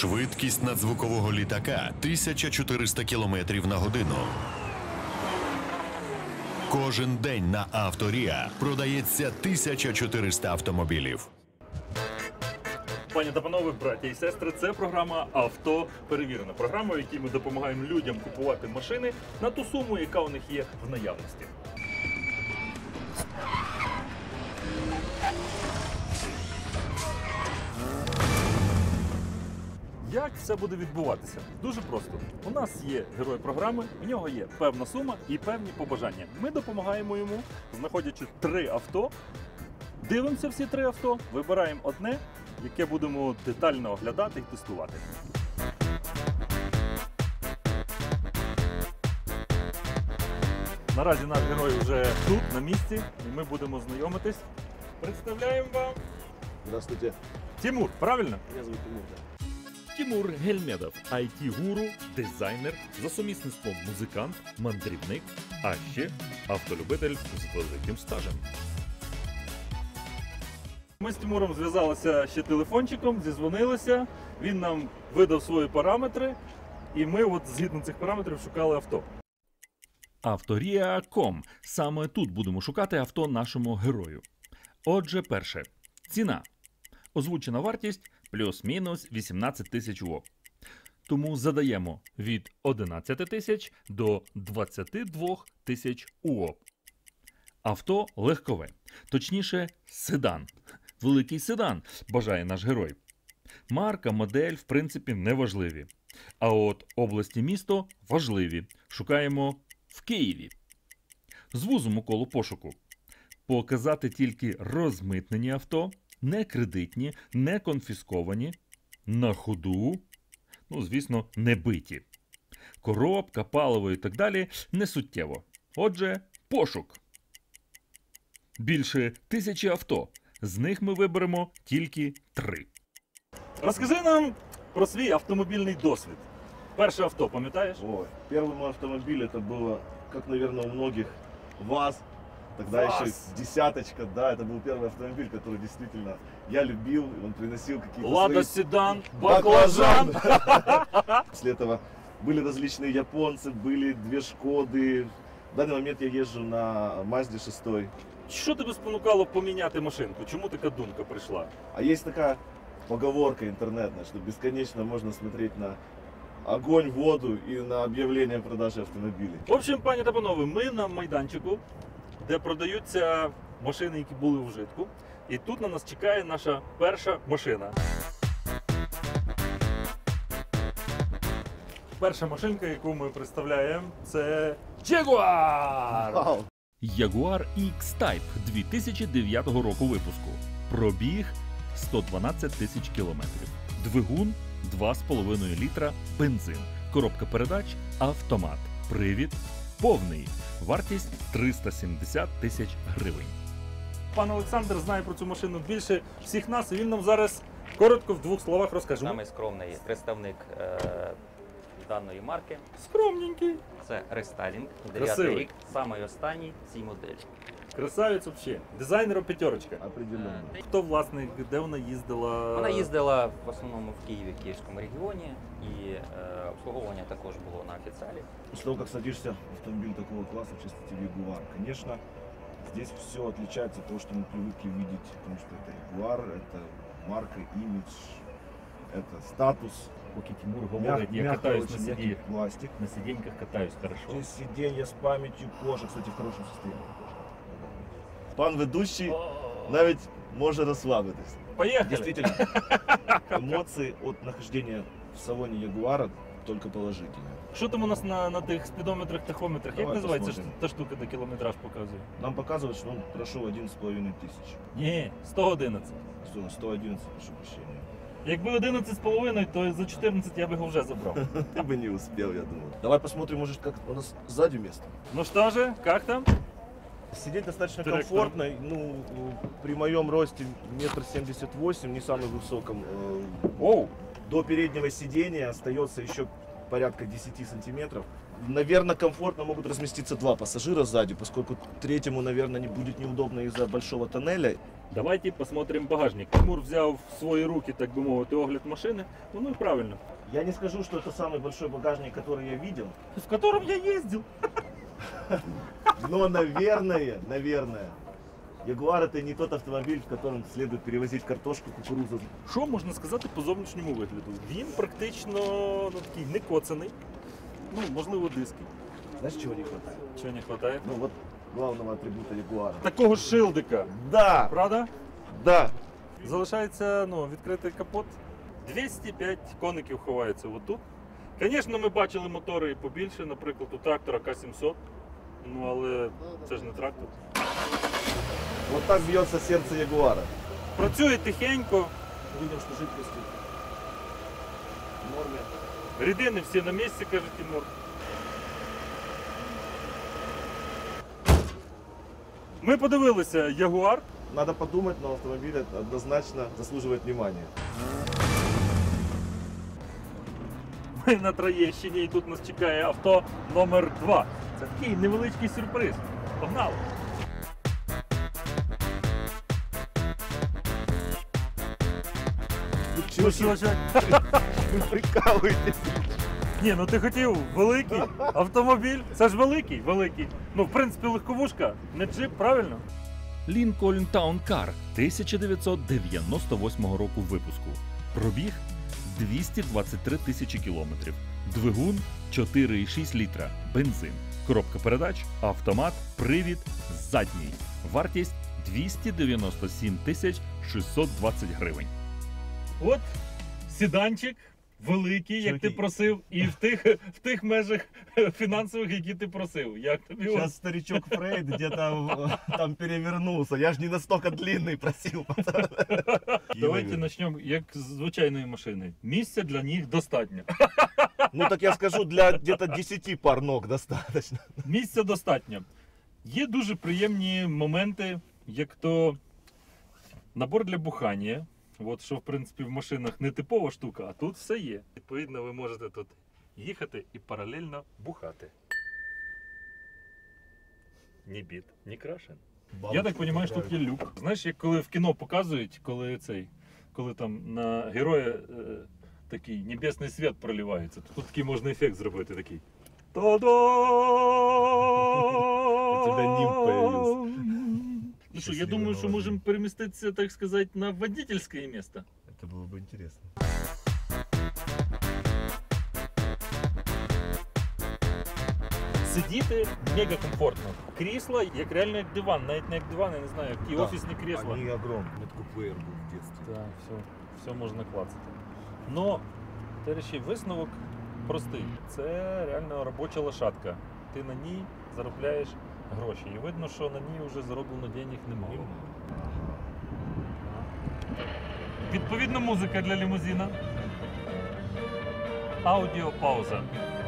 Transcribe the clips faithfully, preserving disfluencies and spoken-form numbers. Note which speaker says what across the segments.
Speaker 1: Швидкість надзвукового літака – тисяча чотириста кілометрів на годину. Кожен день на Авторія продається тисяча чотириста автомобілів.
Speaker 2: Пані та панове, браті і сестри, це програма «Авто перевірено». Програма, в якій ми допомагаємо людям купувати машини на ту суму, яка у них є в наявності. Як все буде відбуватися? Дуже просто. У нас є герой програми, у нього є певна сума і певні побажання. Ми допомагаємо йому, знаходячи три авто, дивимося всі три авто, вибираємо одне, яке будемо детально оглядати і тестувати. Наразі наш герой вже тут, на місці, і ми будемо знайомитись. Представляємо вам...
Speaker 3: Здравствуйте.
Speaker 2: Тимур, правильно?
Speaker 3: Меня зовут Тимур, да.
Speaker 2: Тимур Гельмедов – ай ті-гуру, дизайнер, за сумісництвом музикант, мандрівник, а ще автолюбитель з великим стажем. Ми з Тимуром зв'язалися ще телефончиком, зізвонилися, він нам видав свої параметри, і ми от згідно цих параметрів шукали авто. авторія крапка ком. Саме тут будемо шукати авто нашому герою. Отже, перше. Ціна. Озвучена вартість плюс-мінус вісімнадцять тисяч УО. Тому задаємо від одинадцяти тисяч до двадцяти двох тисяч УО. Авто легкове. Точніше, седан. Великий седан, бажає наш герой. Марка, модель, в принципі, не важливі. А от область і місто важливі. Шукаємо в Києві. Звузимо коло пошуку. Показати тільки розмитнені авто, не кредитні, не конфісковані, на ходу, ну, звісно, не биті. Коробка, паливо і так далі не суттєво. Отже, пошук. Більше тисячі авто. З них ми виберемо тільки три. Розкажи нам про свій автомобільний досвід. Перше авто, пам'ятаєш?
Speaker 3: Ой, первый мой автомобиль, это было, как, наверное, у многих, ВАЗ. Тогда
Speaker 2: ВАЗ.
Speaker 3: еще десяточка, да, это был первый автомобиль, который действительно я любил, и он приносил какие-то
Speaker 2: Лада
Speaker 3: свои...
Speaker 2: Седан,
Speaker 3: Баклажан.
Speaker 2: баклажан.
Speaker 3: После этого были различные японцы, были две Шкоды. В данный момент я езжу на Мазде шесть.
Speaker 2: Що тебе спонукало поміняти машинку? Чому така думка прийшла?
Speaker 3: А есть такая поговорка интернетная, что бесконечно можно смотреть на огонь, воду и на объявление о продаже автомобилей.
Speaker 2: В общем, пані та панове, ми на майданчику, де продаються машини, які були у вжитку. І тут на нас чекає наша перша машина. Перша машинка, яку ми представляємо, це Jaguar!
Speaker 3: Вау!
Speaker 2: Jaguar X-Type дві тисячі дев'ятого року випуску. Пробіг сто дванадцять тисяч кілометрів. Двигун два з половиною літра, бензин. Коробка передач автомат. Привід повний. Вартість триста сімдесят тисяч гривень. Пан Олександр знає про цю машину більше всіх нас, і він нам зараз коротко в двох словах розкаже.
Speaker 4: Самий скромний представник е, даної марки.
Speaker 2: Скромненький.
Speaker 4: Це рестайлінг,
Speaker 2: Красивий.
Speaker 4: дев'ятий рік, самий останній цій моделі.
Speaker 2: Красавець взагалі. Дизайнером п'ятерочка.
Speaker 3: Определенно.
Speaker 2: Хто власник, де вона їздила?
Speaker 4: Вона їздила в основному в Києві, Київському регіоні, і е, обслуговування також було на офіціалі.
Speaker 3: После того, как садишься в автомобиль такого класса, в частности Jaguar, конечно, здесь все отличается от того, что мы привыкли видеть, потому что это Jaguar, это марка, имидж, это статус.
Speaker 2: Поки Тимур
Speaker 3: Мяг-
Speaker 2: говорить, я
Speaker 3: мягкий,
Speaker 2: катаюсь на
Speaker 3: очень мягкий
Speaker 2: сиденьках.
Speaker 3: пластик.
Speaker 2: На сиденьках катаюсь хорошо.
Speaker 3: Здесь сиденья с памятью, кожа, кстати, в хорошем состоянии. Пан ведущий навіть може розслабитись.
Speaker 2: Поехали!
Speaker 3: Действительно, эмоции от нахождения в салоне Ягуара только положительные.
Speaker 2: Що там у нас на, на тих спідометрах, тахометрах? Як
Speaker 3: Давай
Speaker 2: називається ж
Speaker 3: посмотрим.
Speaker 2: та штука, де кілометраж показує?
Speaker 3: Нам показывают, что он прошел одиннадцать с половиной тысяч.
Speaker 2: Ні, сто одинадцять.
Speaker 3: Сто- сто одиннадцать, прошу прощения.
Speaker 2: Якби одинадцять з половиною, то за чотирнадцять я би його вже забрав.
Speaker 3: Ты бы не успел, я думаю. Давай посмотрим, может, как у нас сзади место.
Speaker 2: Ну що ж, як там?
Speaker 3: Сидеть достаточно
Speaker 2: Трек,
Speaker 3: комфортно. Ну, при моем росте метр семьдесят восемь, не самый высоком. э,
Speaker 2: Оу!
Speaker 3: До переднего сидения остается еще порядка десяти сантиметров. наверное, комфортно могут разместиться два пассажира сзади, поскольку третьему, наверное, не будет неудобно из-за большого тоннеля.
Speaker 2: Давайте посмотрим багажник. Тимур взяв в свої руки, так би мовити, огляд машини. Ну і правильно.
Speaker 3: Я не скажу, что это самый большой багажник, который я видел,
Speaker 2: В котором я їздив.
Speaker 3: но, наверное, наверное, Ягуар это не тот автомобиль, в котором следует перевозить картошку, кукурузу.
Speaker 2: Що можна сказати по зовнішньому вигляду? Він практично ну, такий не коцаний. Ну, можливо, диски.
Speaker 3: Знаешь, чего не хватает?
Speaker 2: Чого не вистачає?
Speaker 3: Ну вот главного атрибута Ягуара.
Speaker 2: Такого ж шилдика.
Speaker 3: Да,
Speaker 2: Правда?
Speaker 3: да.
Speaker 2: Залишається ну, відкритий капот. двісті п'ять коників ховається отут. Звісно, ми бачили мотори побільше, наприклад, у трактора К сімсот. Ну, але це ж не трактор.
Speaker 3: Вот так бьется сердце Ягуара.
Speaker 2: Працює тихенько,
Speaker 3: Видим, что жидкости в норме.
Speaker 2: рідини всі на місці, каже Тимур. Ми подивилися Ягуар.
Speaker 3: Надо подумать, но автомобиль однозначно заслуживает внимания.
Speaker 2: Ми на Троєщині і тут нас чекає авто номер два. Це такий невеличкий сюрприз. Погнали!
Speaker 3: Вы
Speaker 2: Ну
Speaker 3: чего
Speaker 2: що, що?
Speaker 3: вы прикалываетесь?
Speaker 2: Ні, ну ти хотів великий автомобіль. Це ж великий, великий. Ну, в принципі, легковушка, не джип, правильно?
Speaker 5: Lincoln Town Car тисяча дев'ятсот дев'яносто восьмого року випуску. Пробіг двісті двадцять три тисячі кілометрів. Двигун чотири і шість літра. Бензин. Коробка передач, автомат, привід, задній. Вартість двісті дев'яносто сім тисяч шістсот двадцять гривень.
Speaker 2: От седанчик великий, як ти
Speaker 3: Чуваки.
Speaker 2: просив, і в тих, в тих межах фінансових, які ти просив. Як тобі от?
Speaker 3: Сейчас старичок Фрейд где-то там перевернулся. Я же не настолько длинный просил.
Speaker 2: Давайте почнемо як з звичайної машини. Місця для них достатньо.
Speaker 3: Ну так я скажу, для где-то десяти пар ног достаточно.
Speaker 2: Місця достатньо. Є дуже приємні моменти, як то набор для бухання. От що, в принципі, в машинах не типова штука, а тут все є. Відповідно, ви можете тут їхати і паралельно бухати. Ні біт, ні крашен. Я так розумію, що тут є люк. Знаєш, як коли в кіно показують, коли цей, коли там на героя е, такий небесний світ проливається, то тут такий можна ефект зробити такий. Та-дам!
Speaker 3: У тебя нимб появился.
Speaker 2: Ну що, я думаю, що можемо переміститися, так сказати, на водительське місце.
Speaker 3: Это было бы интересно.
Speaker 2: Сидіти мега комфортно. Крісла, як реально як диван, навіть не як диван, я не знаю, як ті
Speaker 3: Да.
Speaker 2: офісні крісла.
Speaker 3: Они огромные.
Speaker 6: Это купейр был в детстве.
Speaker 2: Так, все, все можна клацати. Но, товариші, висновок простий. Це реально робоча лошадка. Ти на ній заробляєш гроші. І видно, що на ній вже зароблено денег немало. Відповідна музика для лімузина. Аудіопауза.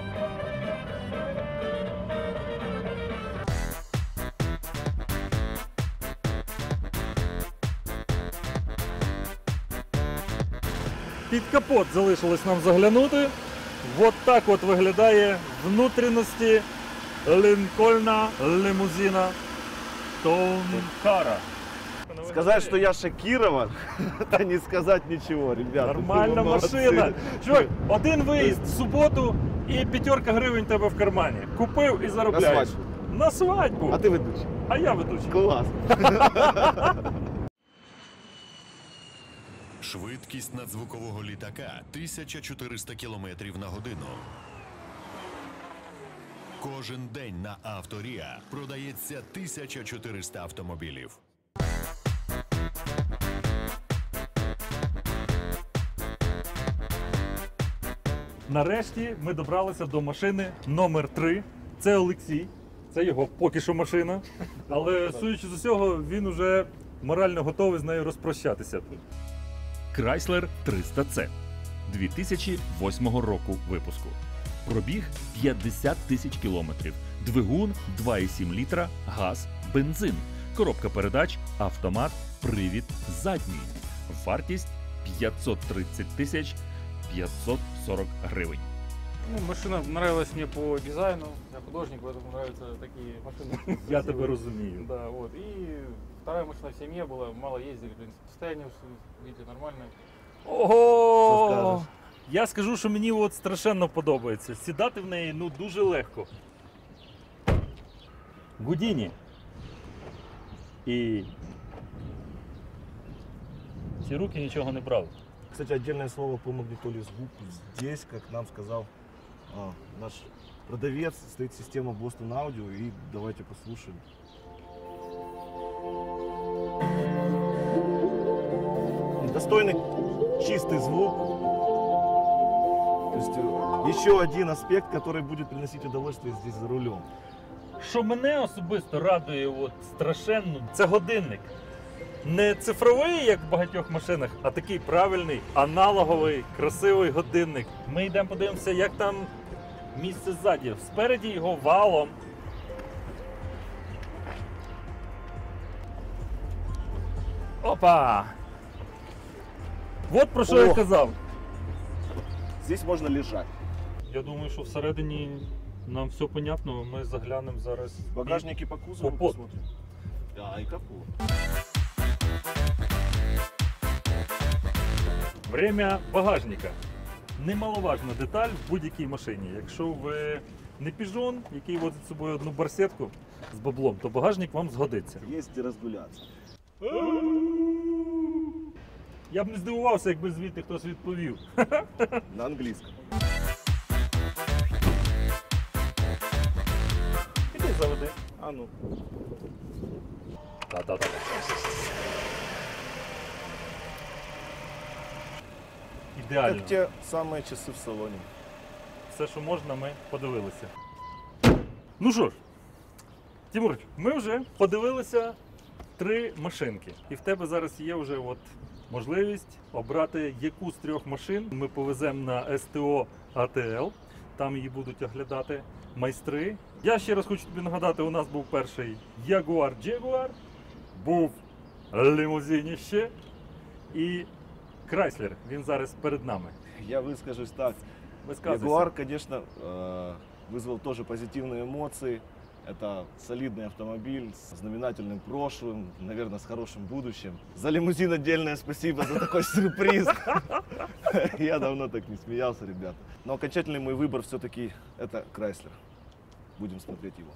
Speaker 2: Під капот залишилось нам заглянути. От так от виглядає внутрішності Лінкольна лимузина Тоункара.
Speaker 3: Сказать, что я шокирован, это не сказать ничего, ребят.
Speaker 2: Нормальна
Speaker 3: Вы молодцы.
Speaker 2: машина. Чувак, один виїзд в суботу і п'ятерка гривень тебе в кармані. Купив і
Speaker 3: На
Speaker 2: заробляєш.
Speaker 3: свадьбу.
Speaker 2: На свадьбу.
Speaker 3: А ты ведущий.
Speaker 2: А я ведучий.
Speaker 3: Класс.
Speaker 1: Швидкість надзвукового літака тисяча чотириста кілометрів на годину. Кожен день на Авторія продається тисяча чотириста автомобілів.
Speaker 2: Нарешті ми добралися до машини номер три. Це Олексій. Це його поки що машина. Але судячи з усього, він уже морально готовий з нею розпрощатися.
Speaker 5: Chrysler триста С дві тисячі восьмого року випуску. Пробіг п'ятдесят тисяч кілометрів. Двигун два і сім літра, газ, бензин. Коробка передач, автомат, привід, задній. Вартість п'ятсот тридцять тисяч п'ятсот сорок гривень.
Speaker 6: Ну, машина нравилась мне по дизайну, я художник, поэтому нравятся такие машины.
Speaker 2: Я тебе розумію.
Speaker 6: Да, вот. И вторая машина в семье была, мало ездили, в принципе. Состояние, видите, нормальное.
Speaker 2: Ого! Я скажу, що мені от страшенно подобається. Сідати в неї ну дуже легко. Гудіні. І ці руки нічого не брали.
Speaker 3: Кстати, отдельное слово по магнитоле звук. Здесь, как нам сказал а, наш продавец, стоит система Boston Audio. И давайте послушаем. Достойный чистый звук. То есть э, еще один аспект, который будет приносить удовольствие здесь за рулем.
Speaker 2: Що мене особисто радує от страшенно, це годинник. Не цифровий, як в багатьох машинах, а такий правильний, аналоговий, красивий годинник. Ми йдемо подивимося, як там місце ззаді. Спереді його валом. Опа! От про що я
Speaker 3: Ох.
Speaker 2: казав.
Speaker 3: Здесь можно лежать.
Speaker 2: Я думаю, що всередині нам все понятно. Ми заглянемо зараз.
Speaker 3: В багажнике по кузову
Speaker 2: Капот.
Speaker 3: посмотрим. Да, и капот.
Speaker 2: Время багажника. Немаловажна деталь в будь-якій машині. Якщо ви не піжон, який возить з собою одну барсетку з баблом, то багажник вам згодиться.
Speaker 3: Есть где разгуляться.
Speaker 2: Я б не здивувався, якби звідти хтось відповів.
Speaker 3: На английском.
Speaker 2: Іди заведи.
Speaker 3: А ну.
Speaker 2: Та-та-та. Ідеально.
Speaker 3: Как те самые часы в салоне.
Speaker 2: Все, що можна, ми подивилися. Ну що ж, Тимур, ми вже подивилися три машинки. І в тебе зараз є вже от можливість обрати, яку з трьох машин ми повеземо на ес те о а те ел. Там її будуть оглядати майстри. Я ще раз хочу тобі нагадати, у нас був перший Jaguar Jaguar, був лімузиніще і Chrysler. Він зараз перед нами.
Speaker 3: Я выскажусь так.
Speaker 2: Висказуйся.
Speaker 3: Ягуар, конечно, э, вызвал тоже позитивные эмоции. Это солидный автомобиль с знаменательным прошлым, наверное, с хорошим будущим. За лимузин отдельное спасибо за такой сюрприз. Я давно так не смеялся, ребята. Но окончательный мой выбор все-таки это Chrysler. Будем смотреть его.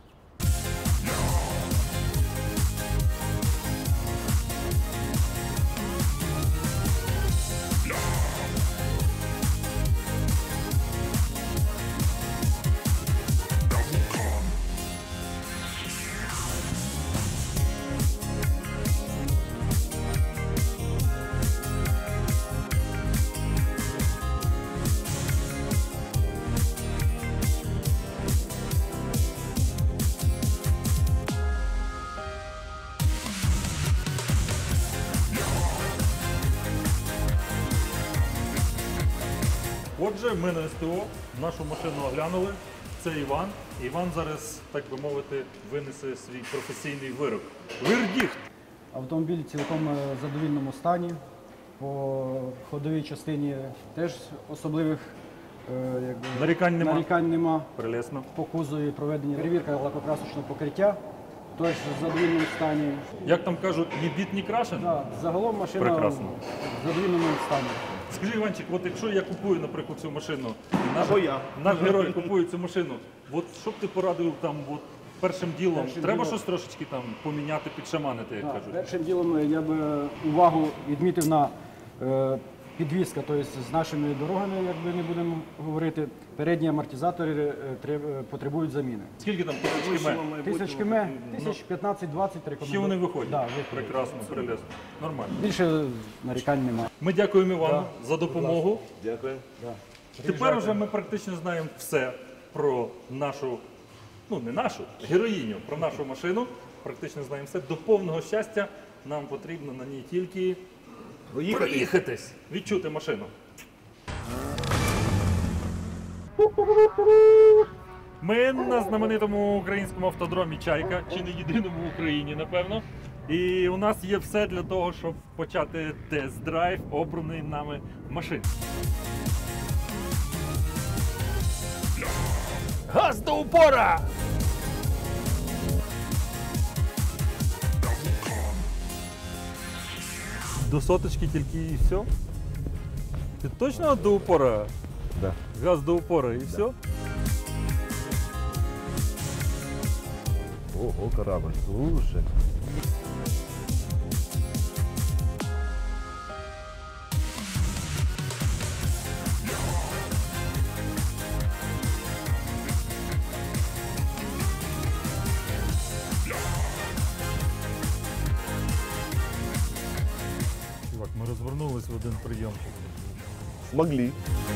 Speaker 2: Отже, ми на ес те о нашу машину оглянули. Це Іван. Іван зараз, так би мовити, винесе свій професійний вирок. Вердикт!
Speaker 7: Автомобіль цілком е, в задовільному стані. По ходовій частині теж особливих е, якби,
Speaker 2: Нарікань нема.
Speaker 7: нарікань нема.
Speaker 2: Прелесно.
Speaker 7: По кузові проведення перевірка лакокрасочного покриття. Теж в задовільному стані.
Speaker 2: Як там кажуть, ні біт, ні крашен?
Speaker 7: Да, загалом машина
Speaker 2: Прекрасно.
Speaker 7: в задовільному стані.
Speaker 2: Скажи, Іванчик, от якщо я купую, наприклад, цю машину, і наш,
Speaker 3: Або я.
Speaker 2: наш герой купує цю машину, от що б ти порадив там от, першим ділом?
Speaker 7: Першим
Speaker 2: Треба
Speaker 7: ділом-
Speaker 2: щось трошечки там поміняти, підшаманити, як
Speaker 7: Да,
Speaker 2: кажуть?
Speaker 7: першим ділом я би увагу відмітив на е, підвізка, тобто з нашими дорогами, як би не будемо говорити, передні амортизатори е, треб- потребують заміни.
Speaker 2: Скільки там тисяч км?
Speaker 7: Тисяч км, тисяч п'ятнадцять-двадцять рекомендую.
Speaker 2: Ще вони виходять?
Speaker 7: Да, виходять.
Speaker 2: Прекрасно, прелесно. Нормально.
Speaker 7: Більше нарікань немає.
Speaker 2: Ми дякуємо Івану
Speaker 7: Да.
Speaker 2: за допомогу.
Speaker 3: Дякую.
Speaker 2: Тепер вже ми практично знаємо все про нашу, ну не нашу, героїню, про нашу машину. Практично знаємо все. До повного щастя нам потрібно на ній тільки проїхатись, відчути машину. Ми на знаменитому українському автодромі Чайка, чи не єдиному в Україні, напевно. І у нас є все для того, щоб почати тест-драйв обраної нами машини. Газ до упора! До соточки тільки і все? Ти точно до упора?
Speaker 3: Да.
Speaker 2: Газ до упора і все?
Speaker 3: Ого, корабль, слушай.
Speaker 2: Чувак, ми розвернулись в один прийом.
Speaker 3: Смогли.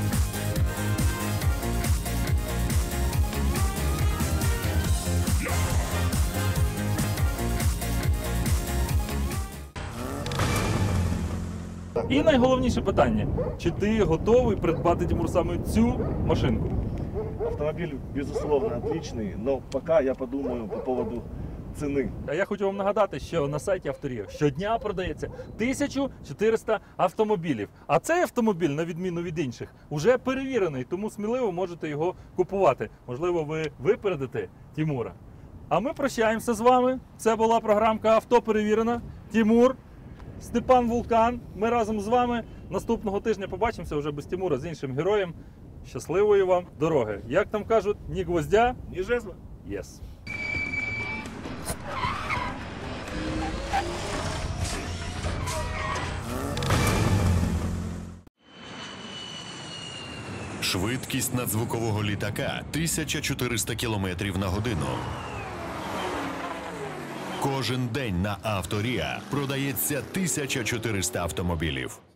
Speaker 2: І найголовніше питання: чи ти готовий придбати, Тимур, саме цю машинку?
Speaker 3: Автомобиль, безусловно, отличный, но пока я подумаю по поводу цены.
Speaker 2: А я хочу вам нагадати, що на сайті Авторія щодня продається тисяча чотириста автомобілів. А цей автомобіль, на відміну від інших, уже перевірений, тому сміливо можете його купувати. Можливо, ви випередите Тимура. А ми прощаємося з вами. Це була програмка «Авто перевірена». Тимур, Степан Вулкан. Ми разом з вами наступного тижня побачимося вже без Тимура, з іншим героєм. Щасливої вам дороги. Як там кажуть, ні гвоздя,
Speaker 3: Не жезла?
Speaker 2: єс.
Speaker 1: Швидкість надзвукового літака тисяча чотириста кілометрів на годину. Кожен день на Авторія продається тисяча чотириста автомобілів.